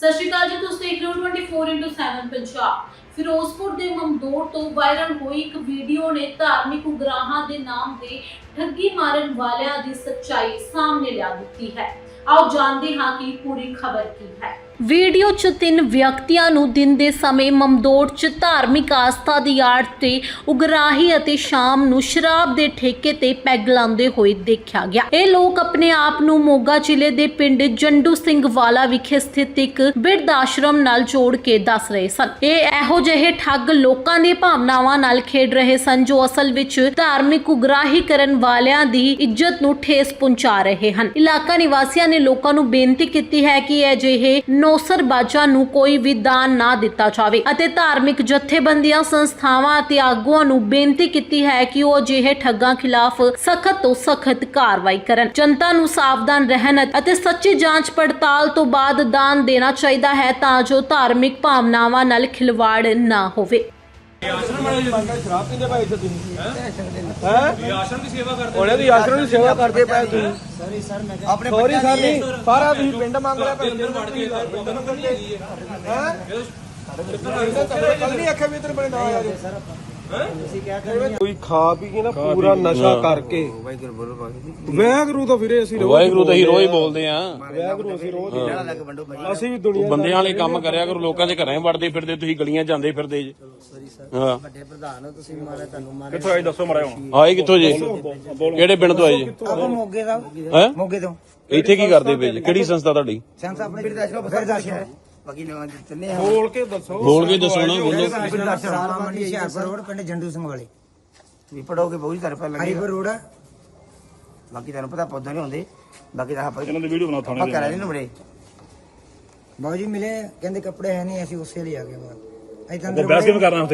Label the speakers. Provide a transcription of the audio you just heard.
Speaker 1: ਸਤਿ ਸ਼੍ਰੀ ਅਕਾਲ ਜੀ, ਤੁਸੀਂ ਦੇਖ ਰਹੇ ਹੋ 24x7 ਪੰਜਾਬ। ਫਿਰੋਜ਼ਪੁਰ ਦੇ ਮਮਦੋੜ ਤੋਂ ਵਾਇਰਲ ਹੋਈ ਇੱਕ ਵੀਡੀਓ ਨੇ ਧਾਰਮਿਕ ਉਗਰਾਹਾਂ ਦੇ ਨਾਮ ਤੇ ਠੱਗੀ ਮਾਰਨ ਵਾਲਿਆਂ ਦੀ ਸੱਚਾਈ ਸਾਹਮਣੇ ਲਿਆ ਦਿੱਤੀ ਹੈ। ਆਓ ਜਾਣਦੇ ਹਾਂ ਕਿ ਪੂਰੀ ਖਬਰ ਕੀ ਹੈ। ਵੀਡੀਓ 'ਚ 3 ਵਿਅਕਤੀਆਂ ਨੂੰ ਦਿਨ ਦੇ ਸਮੇਂ ਮਮਦੋੜ 'ਚ ਧਾਰਮਿਕ ਆਸਥਾ ਦੀ ਆੜ ਤੇ ਉਗਰਾਹੀ ਅਤੇ ਸ਼ਾਮ ਨੂੰ ਸ਼ਰਾਬ ਦੇ ਠੇਕੇ ਤੇ ਪੈਗ ਲਾਉਂਦੇ ਹੋਏ ਦੇਖਿਆ ਗਿਆ। ਇਹ ਲੋਕ ਆਪਣੇ ਆਪ ਨੂੰ ਮੋਗਾ ਜ਼ਿਲ੍ਹੇ ਦੇ ਪਿੰਡ ਜੰਡੂ ਸਿੰਘ ਵਾਲਾ ਵਿਖੇ ਸਥਿਤ ਇੱਕ ਬਿਰਧ ਆਸ਼ਰਮ ਨਾਲ ਜੋੜ ਕੇ ਦੱਸ ਰਹੇ ਸਨ। ਇਹ ਇਹੋ ਜਿਹੇ ਠੱਗ ਲੋਕਾਂ ਦੀਆਂ ਭਾਵਨਾਵਾਂ ਨਾਲ ਖੇਡ ਰਹੇ ਸਨ ਜੋ ਅਸਲ ਵਿੱਚ ਧਾਰਮਿਕ ਉਗਰਾਹੀ ਕਰਨ ਵਾਲਿਆਂ ਦੀ ਇੱਜ਼ਤ ਨੂੰ ਠੇਸ ਪਹੁੰਚਾ ਰਹੇ ਹਨ। ਇਲਾਕਾ ਨਿਵਾਸੀਆਂ ਨੇ ਲੋਕਾਂ ਨੂੰ ਬੇਨਤੀ ਕੀਤੀ ਹੈ ਕਿ ਅਜਿਹੇ ਨੌਸਰਬਾਜ਼ਾਂ ਨੂੰ ਕੋਈ ਵੀ ਦਾਨ ਨਾ ਦਿੱਤਾ ਜਾਵੇ ਅਤੇ ਧਾਰਮਿਕ ਜਥੇਬੰਦੀਆਂ, ਸੰਸਥਾਵਾਂ ਅਤੇ ਆਗੂਆਂ ਨੂੰ ਬੇਨਤੀ ਕੀਤੀ ਹੈ ਕਿ ਉਹ ਅਜਿਹੇ ਠੱਗਾਂ ਖਿਲਾਫ ਸਖਤ ਤੋਂ ਸਖਤ ਕਾਰਵਾਈ ਕਰਨ। ਜਨਤਾ ਨੂੰ ਸਾਵਧਾਨ ਰਹਿਣ ਅਤੇ ਸੱਚੀ ਜਾਂਚ ਪੜਤਾਲ ਤੋਂ ਬਾਅਦ ਦਾਨ ਦੇਣਾ ਚਾਹੀਦਾ ਹੈ ਤਾਂ ਜੋ ਧਾਰਮਿਕ ਭਾਵਨਾਵਾਂ ਨਾਲ ਖਿਲਵਾੜ ਨਾ ਹੋਵੇ।
Speaker 2: ਸ਼ਰਾਬ ਪੀਂਦੇ ਭਾਈ ਇੱਥੇ ਤੁਸੀਂ ਹੈ ਆਸ਼ਰਮ ਦੀ ਸੇਵਾ ਕਰਦੇ ਉਹਨੇ ਦੀ ਆਸ਼ਰਮ ਦੀ ਸੇਵਾ ਕਰਦੇ ਪਏ ਤੁਸੀਂ ਸੌਰੀ ਸਰ ਮੈਂ ਆਪਣੇ ਸੌਰੀ ਸਰ ਨਹੀਂ ਸਾਰਾ ਤੁਸੀਂ ਪਿੰਡ ਮੰਗ ਲਿਆ ਭਾਈ ਅੰਦਰ ਵੜ ਕੇ ਪਿੰਡ ਨੂੰ ਕੱਢੀ ਹੈਗੀ ਹੈ ਕੱਲ ਨਹੀਂ ਆਖਿਆ ਵੀ ਇਧਰ ਬਣੇ ਨਾ ਯਾਰ ਸਰ ਤੁਸੀਂ ਕਿਆ ਕਰਨੀ ਕੋਈ ਖਾ ਪੀ ਕੇ ਨਾ ਪੂਰਾ ਨਸ਼ਾ ਕਰਕੇ ਵਾਹਿਗੁਰੂ ਤਾਂ ਫਿਰੇ ਅਸੀਂ
Speaker 3: ਵਾਹਿਗੁਰੂ ਤਾਂ ਹੀ ਰੋਜ਼ ਬੋਲਦੇ ਆ।
Speaker 2: ਵਾਹਿਗੁਰੂ ਅਸੀਂ ਰੋਜ਼ ਅਸੀਂ ਵੀ ਦੁਨੀਆ
Speaker 3: ਬੰਦਿਆਂ ਵਾਲੇ ਕੰਮ ਕਰਿਆ ਕਰੋ, ਲੋਕਾਂ ਦੇ ਘਰਾਂ ਵੜਦੇ ਫਿਰਦੇ, ਤੁਸੀਂ ਗਲੀਆਂ ਜਾਂਦੇ ਫਿਰਦੇ ਜੀ। ਹਾਂ
Speaker 4: ਵੱਡੇ ਪ੍ਰਧਾਨ ਹੋ ਤੁਸੀਂ, ਮਾਰੇ ਤੁਹਾਨੂੰ ਮਾਰੇ
Speaker 2: ਕਿੱਥੋਂ ਆਏ ਦੱਸੋ ਮੜਾ ਹੁਣ
Speaker 3: ਆਏ ਕਿੱਥੋਂ ਜੀ? ਕਿਹੜੇ ਪਿੰਡ ਤੋਂ ਆਏ ਜੀ?
Speaker 4: ਆਪਾਂ ਮੋਗੇ ਦਾ
Speaker 3: ਹੈ
Speaker 4: ਮੋਗੇ ਤੋਂ।
Speaker 3: ਇੱਥੇ ਕੀ ਕਰਦੇ ਪਏ ਜੀ? ਕਿਹੜੀ ਸੰਸਥਾ ਤੁਹਾਡੀ?
Speaker 4: ਸੰਸ ਆਪਣੇ ਬਿਰਦਾਸ਼ਰਮ ਬਾਕੀ ਨਵਾਂ ਦਿੱਤੇ ਆ।
Speaker 2: ਬੋਲ ਕੇ ਦੱਸੋ
Speaker 3: ਬੋਲ ਕੇ ਦੱਸੋ ਨਾ, ਬੋਲੋ।
Speaker 4: ਬਿਰਦਾਸ਼ਰਮ ਮੰਡੀ ਹਿਆਰਪੁਰ ਰੋਡ ਪਿੰਡ ਜੰਡੂ ਸਿੰਘ ਵਾਲੇ ਵੀ ਪੜੋਗੇ ਬਹੁਤ ਤਰ੍ਹਾਂ ਪਹਿਲਾਂ ਹਰੀਪੁਰ ਰੋਡ। ਬਾਕੀ ਤੁਹਾਨੂੰ ਪਤਾ ਪੌਦਾ ਨਹੀਂ ਹੁੰਦੇ, ਬਾਕੀ ਤਾਂ ਆਪਾਂ
Speaker 2: ਇਹਨਾਂ ਦੀ ਵੀਡੀਓ ਬਣਾ ਥਾਣੇ
Speaker 4: ਆਪਾਂ ਕਰਾ ਲੈਣ ਬੜੇ ਬਾਊ ਜੀ ਮਿਲੇ, ਕਹਿੰਦੇ ਕੱਪੜੇ ਹੈ ਨਹੀਂ, ਅਸੀਂ ਉਸੇ ਲਈ ਆ ਗਏ ਬਾਹਰ।
Speaker 2: ਬਹਿਸ ਕਿਵੇਂ ਕਰਨਾ